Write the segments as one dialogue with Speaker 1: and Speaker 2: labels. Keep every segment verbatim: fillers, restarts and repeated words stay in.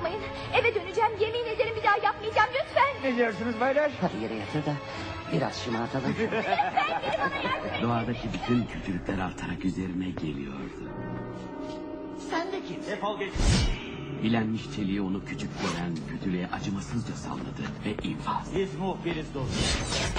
Speaker 1: yapmayın. Eve döneceğim, yemin ederim bir daha yapmayacağım lütfen.
Speaker 2: Ne diyorsunuz baylar?
Speaker 3: Hadi yere yatır da biraz şımartalım.
Speaker 1: Lütfen biri bana yardım edin.
Speaker 4: Doğadaki bütün kötülükler artarak üzerine geliyordu.
Speaker 3: Sen de kimsin?
Speaker 2: Defol git.
Speaker 4: Bilenmiş çeliği onu küçük gören kötülüğe acımasızca salladı ve infaz.
Speaker 2: Biz muhbiriz dostum.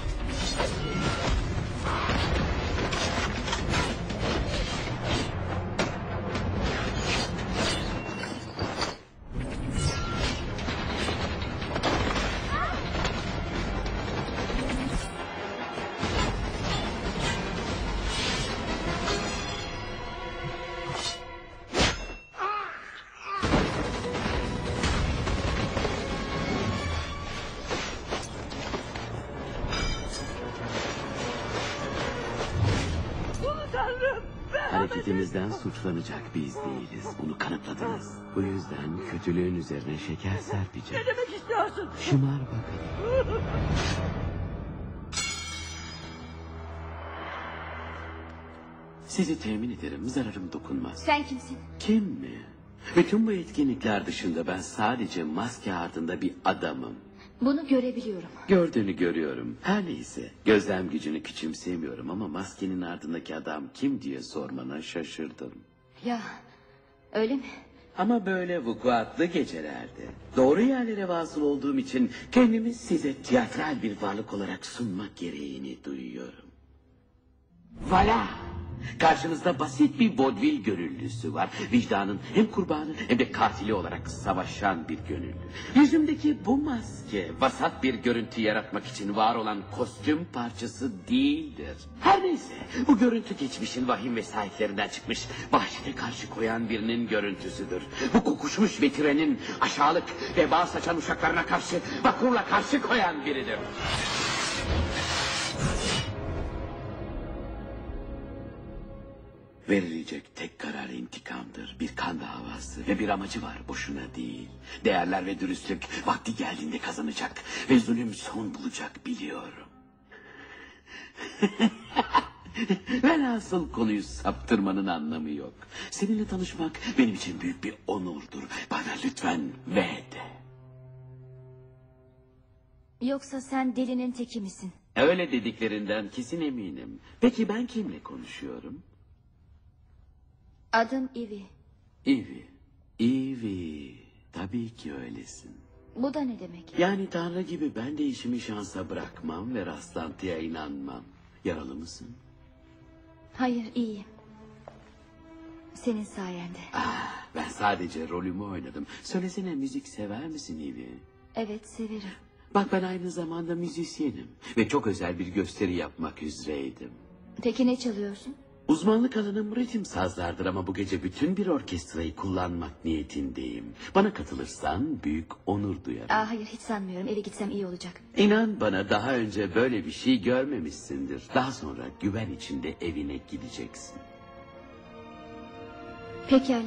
Speaker 4: Hareketimizden suçlanacak biz değiliz. Bunu kanıtladınız. Bu yüzden kötülüğün üzerine şeker serpeceğiz.
Speaker 2: Ne demek istiyorsun?
Speaker 4: Şımar bakalım. Sizi temin ederim, zararım dokunmaz.
Speaker 1: Sen kimsin?
Speaker 4: Kim mi? Bütün bu etkinlikler dışında ben sadece maske ardında bir adamım.
Speaker 1: Bunu görebiliyorum.
Speaker 4: Gördüğünü görüyorum. Her neyse. Gözlem gücünü küçümsemiyorum ama maskenin ardındaki adam kim diye sormana şaşırdım.
Speaker 1: Ya öyle mi?
Speaker 4: Ama böyle vukuatlı gecelerde doğru yerlere vasıl olduğum için kendimi size tiyatral bir varlık olarak sunmak gereğini duyuyorum. Voilà! Karşınızda basit bir vodvil gönüllüsü var. Vicdanın hem kurbanı hem de katili olarak savaşan bir gönüllü. Yüzümdeki bu maske vasat bir görüntü yaratmak için var olan kostüm parçası değildir. Her neyse bu görüntü geçmişin vahim vesayetlerinden çıkmış vahşete karşı koyan birinin görüntüsüdür. Bu kokuşmuş ve trenin aşağılık veba saçan uşaklarına karşı vakurla karşı koyan biridir. Verilecek tek karar intikamdır. Bir kan davası ve bir amacı var, boşuna değil. Değerler ve dürüstlük vakti geldiğinde kazanacak ve zulüm son bulacak biliyorum. Velhasıl konuyu saptırmanın anlamı yok. Seninle tanışmak benim için büyük bir onurdur. Bana lütfen ve de.
Speaker 1: Yoksa sen delinin teki misin?
Speaker 4: Öyle dediklerinden kesin eminim. Peki ben kimle konuşuyorum?
Speaker 1: Adım Ivy.
Speaker 4: Ivy. Ivy. Tabii ki öylesin.
Speaker 1: Bu da ne demek?
Speaker 4: Yani Tanrı gibi ben de işimi şansa bırakmam ve rastlantıya inanmam. Yaralı mısın?
Speaker 1: Hayır, iyiyim. Senin sayende.
Speaker 4: Ah, ben sadece rolümü oynadım. Söylesene, müzik sever misin Ivy?
Speaker 1: Evet, severim.
Speaker 4: Bak ben aynı zamanda müzisyenim. Ve çok özel bir gösteri yapmak üzereydim.
Speaker 1: Peki ne çalıyorsun?
Speaker 4: Uzmanlık alanım ritim sazlardır ama bu gece bütün bir orkestrayı kullanmak niyetindeyim. Bana katılırsan büyük onur duyarım.
Speaker 1: Aa, hayır, hiç sanmıyorum. Eve gitsem iyi olacak.
Speaker 4: İnan bana daha önce böyle bir şey görmemişsindir. Daha sonra güven içinde evine gideceksin.
Speaker 1: Pekala.